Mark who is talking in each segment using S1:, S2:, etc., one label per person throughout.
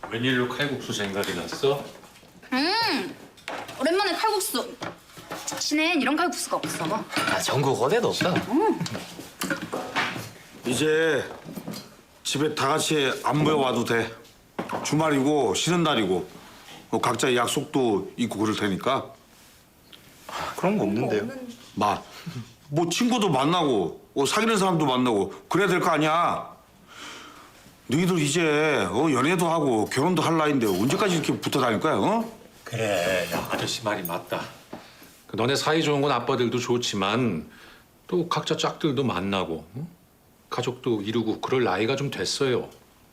S1: 웬일로 칼국수 생각이 났어?
S2: 오랜만에 칼국수. 시내엔 이런 칼국수가 없어.
S3: 아, 전국 어디도 없다.
S4: 이제 집에 다 같이 안 모여 와도 돼. 주말이고 쉬는 날이고 각자 약속도 있고 그럴 테니까.
S3: 그런 거 없는데요.
S4: 뭐 친구도 만나고 사귀는 사람도 만나고 그래야 될 거 아니야. 너희들 이제 연애도 하고 결혼도 할 나이인데 언제까지 이렇게 붙어 다닐 거야?
S1: 그래, 야, 아저씨 말이 맞다. 너네 사이 좋은 건 아빠들도 좋지만 또 각자 짝들도 만나고 응? 가족도 이루고 그럴 나이가 좀 됐어요.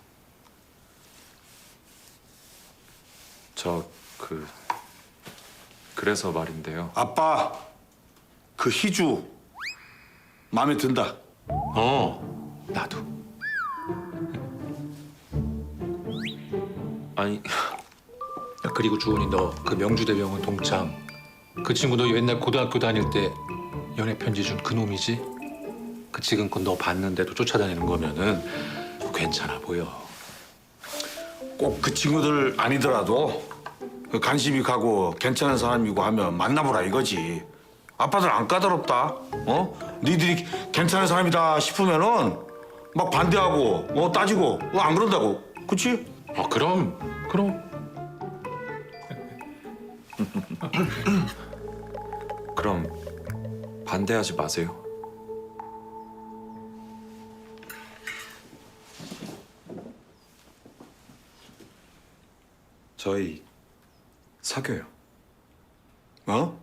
S5: 그래서 말인데요.
S4: 아빠 그 희주 마음에 든다.
S1: 나도.
S5: 아니,
S1: 야, 그리고 주원이 너 그 명주대병원 동창 그 친구 너 옛날 고등학교 다닐 때 연애 편지 준 그 놈이지? 그 지금껏 너 봤는데도 쫓아다니는 거면은 괜찮아 보여.
S4: 꼭 그 친구들 아니더라도 관심이 가고 괜찮은 사람이고 하면 만나보라 이거지. 아빠들 안 까다롭다. 니들이 괜찮은 사람이다 싶으면은 막 반대하고 따지고 안 그런다고. 그치?
S1: 그럼.
S5: 그럼 반대하지 마세요. 저희 사귀어요.
S4: 어?